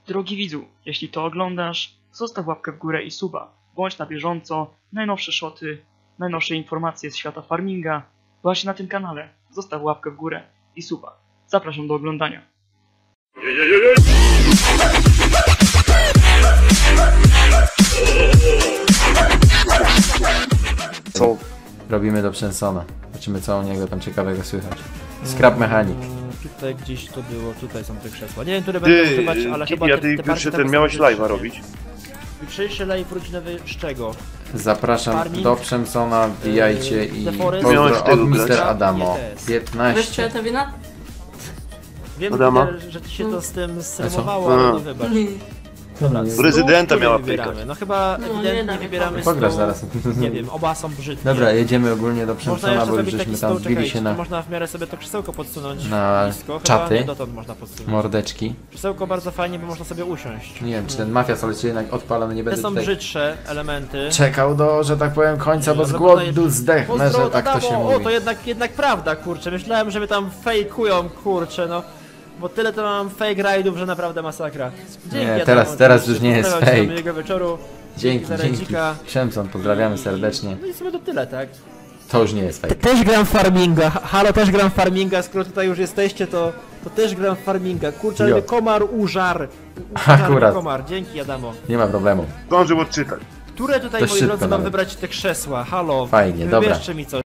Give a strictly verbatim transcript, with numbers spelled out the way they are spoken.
Drogi widzu, jeśli to oglądasz, zostaw łapkę w górę i suba. Bądź na bieżąco, najnowsze szoty, najnowsze informacje z świata farminga właśnie na tym kanale. Zostaw łapkę w górę i suba. Zapraszam do oglądania. Co robimy do Przensona? Zobaczymy, co u niego tam ciekawego słychać. Scrap Mechanic. Tutaj gdzieś to było, tutaj są te krzesła. Nie wiem, które będę Ty, używać, ale chyba ja te, ty te pierwszy partie ten tam miałeś są live'a wyższe. robić? Jutrzejszy live rodzinowy z czego? Zapraszam Farming. do Przemsona, wbijajcie i The Forest. pozdro Miałeś od tylu mister grać? Adamo. Nie test. Wiesz piętnaście. czy to wina? Wiem, Adama? Peter, że ci się to z tym co? streamowało, ale A. no wybacz. Nie. Dobra, Nie. stół, Prezydenta który miała wybieramy? pykać. No chyba No, nie ewidentnie dawaj, wybieramy Pograsz stół. zaraz. Nie wiem, oba są brzydkie. Dobra, jedziemy ogólnie do Można Przemsona, jeszcze bo już zrobić taki żeśmy stół, tam wbili czekajcie, się to na można w miarę sobie to krzesełko podsunąć na blisko. Chyba czaty. nie dotąd można podsunąć. mordeczki. Krzesełko bardzo fajnie, bo można sobie usiąść. Nie wiem, czy ten mafia solecie jednak odpalony, nie Te będę są tutaj brzydsze elementy. czekał do, że tak powiem, końca, bo z Ale głodu podaję- zdechnę, Pozdro że od tak to Adamo. się O, mówi. to jednak, jednak prawda, kurczę. Myślałem, że mnie tam fejkują, kurczę, no. Bo tyle to mam fake rajdów, że naprawdę masakra. Dzięki, Nie, Adamo, teraz- teraz oczywiście. już nie jest Pozdrawiam cię, fake. miłego wieczoru. Dzięki, za dzięki. radzika. Przemson, pozdrawiamy serdecznie. No i sobie to tyle, tak? To już nie jest fake. Też gram w farminga, halo, też gram w farminga, skoro tutaj już jesteście, to, to też gram w farminga. Kurczę, ale Jo. mnie komar użar. Użar mnie Akurat. komar, dzięki Adamo. Nie ma problemu. Zdążył odczytać. Które tutaj, To moi szybko drodzy, mam nawet. wybrać te krzesła? Halo, Fajnie, dobra. wybierzcie mi coś.